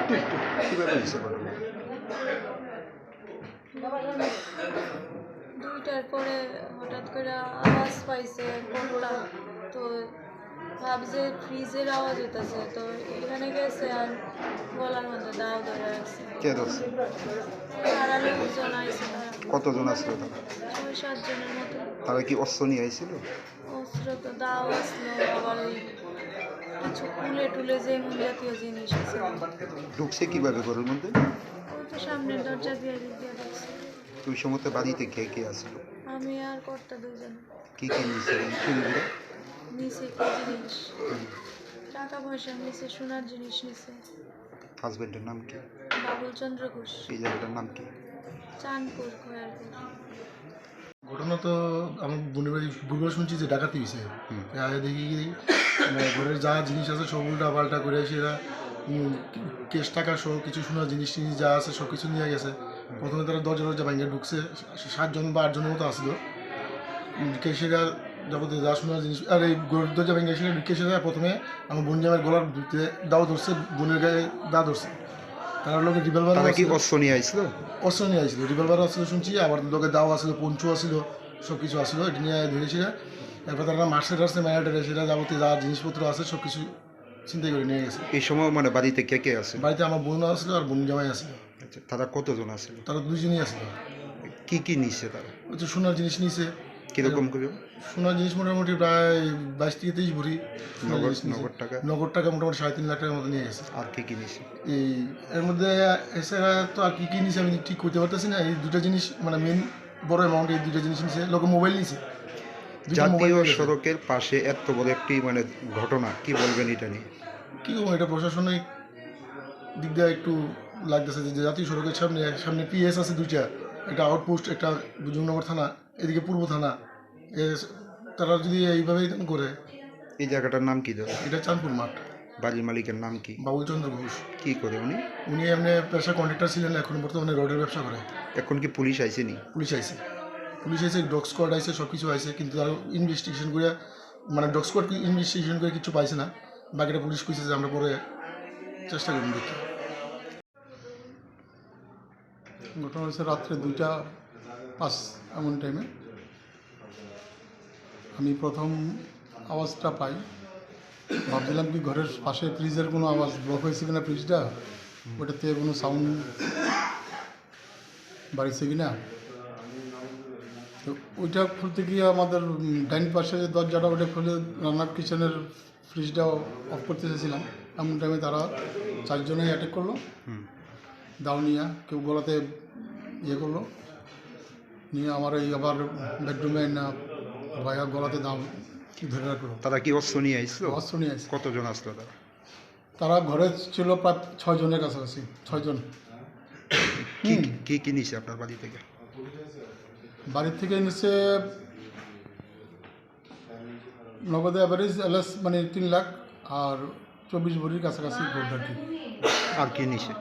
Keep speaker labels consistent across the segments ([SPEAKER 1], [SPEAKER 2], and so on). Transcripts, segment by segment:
[SPEAKER 1] কিভাবে হয়েছে ঘটনা?
[SPEAKER 2] 2টার পরে হঠাৎ করে আওয়াজ পাইছে কোনটা, তো ভাবছে ফ্রিজের আওয়াজ হইতেছে, তো এখানে গেছে আর গলার মধ্যে দাও ধরে রাখছে।
[SPEAKER 1] কে ধরছে?
[SPEAKER 2] তারা লোকজন আইছে, তারা
[SPEAKER 1] কতজন আসলো তারা?
[SPEAKER 2] 6-7 জনের মতো।
[SPEAKER 1] তারা কি অস্ত্র নিয়ে আইছিল?
[SPEAKER 2] অস্ত্র তো দাও আসলো, আবার ওই কিছু কুলে টুলে যে জাতীয় জিনিস আছে।
[SPEAKER 1] ঢুকছে কিভাবে ঘরের মধ্যে?
[SPEAKER 2] ওই তো সামনের দরজা দিয়ে দিয়ে ঢুকছে।
[SPEAKER 1] ওই সময় বাড়িতে কে কে আসলো?
[SPEAKER 2] আমি আর কর্তা দুজন।
[SPEAKER 1] কি কি নিয়েছে চুরিগুলো?
[SPEAKER 2] নিচে কি জিনিস, টাকা পয়সা নিচে, সোনার জিনিস নিচে।
[SPEAKER 1] হাজবেন্ডের নাম কি?
[SPEAKER 2] বাবুল চন্দ্র ঘোষ।
[SPEAKER 1] এই জায়গাটার নাম কি?
[SPEAKER 2] চাঁদপুর খয়ারপুর।
[SPEAKER 3] ঘটনা তো আমার বোনের বাড়ি ভুলবার শুনছি যে ডাকাতি হয়েছে। আগে দেখি কি মানে ঘরের যা জিনিস আছে সব উল্টা পাল্টা করে সেরা কেশ টাকা সহ কিছু সোনার জিনিস টিনিস যা আছে সব কিছু নিয়ে গেছে। প্রথমে তারা দরজা ভাঙিয়ে ঢুকছে, 7 জন বা 8 জনের মতো আসলো। কেশেরা যাবতীয় যা সোনার জিনিস আর এই দরজা ভাঙিয়ে সেটা কেশেরা প্রথমে আমার বোন জামের গলার ভিতরে দাও ধরছে, বোনের গায়ে দা ধরছে। তারা লোকে রিভলভার
[SPEAKER 1] তারা কি অস্ত্র নিয়ে আইছিল?
[SPEAKER 3] অস্ত্র নিয়ে আসছিল, রিভলভার আসছিল শুনছি, আবার লোকে দাও আসলো, পঞ্চু আসলো, সব কিছু আসলো, এটা নিয়ে ধরেছিল। এরপর তারা মার্সে টার্সে ম্যানেটারে সেটা যাবতীয় যা জিনিসপত্র আছে সব কিছু চিন্তাই করে নিয়ে গেছে।
[SPEAKER 1] এই সময় বাড়িতে কে কে আছে?
[SPEAKER 3] বাড়িতে আমার বোন আসলো আর বোন জামাই আসলো।
[SPEAKER 1] আচ্ছা, তারা কতজন আসলো?
[SPEAKER 3] তারা দুজনই আসলো।
[SPEAKER 1] কি কি নিচ্ছে তারা?
[SPEAKER 3] ওই তো সোনার জিনিস নিছে।
[SPEAKER 1] কিরকম করে?
[SPEAKER 3] সোনার জিনিস মোটামুটি প্রায় 22 থেকে 23 ভরি
[SPEAKER 1] নগদ টাকা?
[SPEAKER 3] নগদ টাকা মোটামুটি 3.5 লাখ টাকার মতো নিয়ে গেছে।
[SPEAKER 1] আর কি কি নিচ্ছে?
[SPEAKER 3] এই এর মধ্যে এছাড়া তো আর কি নিছে আমি ঠিক করতে পারতেছি না। এই দুটো জিনিস মানে মেন বড় অ্যামাউন্ট, এই দুটো জিনিস নিছে। লোকে মোবাইল নিছে।
[SPEAKER 1] জাতীয় সড়কের পাশে এত বড় একটি ঘটনা, কি বলবেন এটা নিয়ে?
[SPEAKER 3] কী করবো, এটা প্রশাসনিক দিক দিয়ে একটু লাগতেছে যে জাতীয় সড়কের সামনে পিএস আছে 2টা, একটা আউটপোস্ট, একটা জুমনগর থানা, এদিকে পূর্ব থানা। তারা যদি এইভাবেই করে।
[SPEAKER 1] এই জায়গাটার নাম কি দাদা?
[SPEAKER 3] এটা চাঁদপুর মাঠ।
[SPEAKER 1] বাড়ির মালিকের নাম কি?
[SPEAKER 3] বাবুল চন্দ্র ঘোষ।
[SPEAKER 1] কি করে উনি?
[SPEAKER 3] উনি এমনি পেশা কন্ট্রাক্টর ছিলেন, এখন বর্তমানে রোডের ব্যবসা করে।
[SPEAKER 1] এখন কি পুলিশ আইসেনি?
[SPEAKER 3] পুলিশ আইসে, ডগ স্কোয়াড আইসে, সব কিছু আইসে, কিন্তু তারা ইনভেস্টিগেশন করে মানে ডগ স্কোয়াড ইনভেস্টিগেশন করে কিছু পাইছে না। বাকিটা পুলিশ কইছে যে আমরা পরে চেষ্টা করুন দেখি। ঘটনা হয়েছে রাত্রে 2:05 এমন টাইমে। আমি প্রথম আওয়াজটা পাই, ভাবছিলাম কি ঘরের পাশে ফ্রিজের কোনো আওয়াজ ব্লক হয়েছে কিনা, ফ্রিজটা ওটাতে কোনো সাউন্ড বাড়িছে কিনা। তো ওইটা খুলতে গিয়ে আমাদের ডাইন পাশে যে দরজাটা ওটা খুলে রান্নার কিচেনের ফ্রিজটা অফ করতে চেয়েছিলাম। এমন টাইমে তারা 4 জনেই অ্যাটাক করলো, দাও নিয়ে কেউ গলাতে ইয়ে করলো, নিয়ে আমার এই আবার বেডরুমে না ভাইয়া গলাতে দাও ধরে রাখলো।
[SPEAKER 1] তারা কি অস্ত্র নিয়ে আইছিল?
[SPEAKER 3] অস্ত্র নিয়ে আসছে।
[SPEAKER 1] কতজন আসলো তারা?
[SPEAKER 3] তারা ঘরে ছিল প্রায় 6 জনের কাছাকাছি, 6 জন।
[SPEAKER 1] কি কি নিছে আপনার বাড়ি থেকে?
[SPEAKER 3] বাড়ির থেকে নিচে নগদে অ্যাভারেজ এলএস মানে 3 লাখ আর 24 ভরির কাছাকাছি গোল্ড আর কি।
[SPEAKER 1] আর কি নিছে?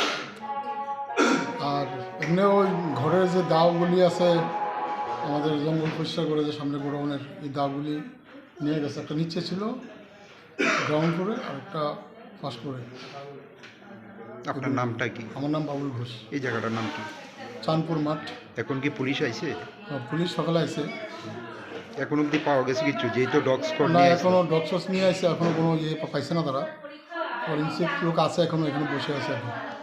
[SPEAKER 3] আর এমনি ওই ঘরের যে দাওগুলি আছে, আমাদের জঙ্গল পরিষ্কার করে যে সামনে গোডাউনের, এই দাওগুলি নিয়ে গেছে। একটা নিচে ছিল গ্রাউন্ড ফ্লোরে আর একটা ফার্স্ট ফ্লোরে।
[SPEAKER 1] আপনার নামটা কি?
[SPEAKER 3] আমার নাম বাবুল ঘোষ।
[SPEAKER 1] এই জায়গাটার নাম কি?
[SPEAKER 3] চাঁদপুর মাঠ।
[SPEAKER 1] এখন কি পুলিশ আইছে?
[SPEAKER 3] পুলিশ সকালে আইছে।
[SPEAKER 1] এখন অব্দি পাওয়া গেছে কিছু? যেহেতু ডগ স্কোয়াড
[SPEAKER 3] না,
[SPEAKER 1] নিয়ে
[SPEAKER 3] এখনও ডগ শস নিয়ে আসছে, এখনও কোনো ইয়ে পাইছে না। তারা ফরেন্সিক লোক আছে এখনও, এখানে বসে আছে এখন।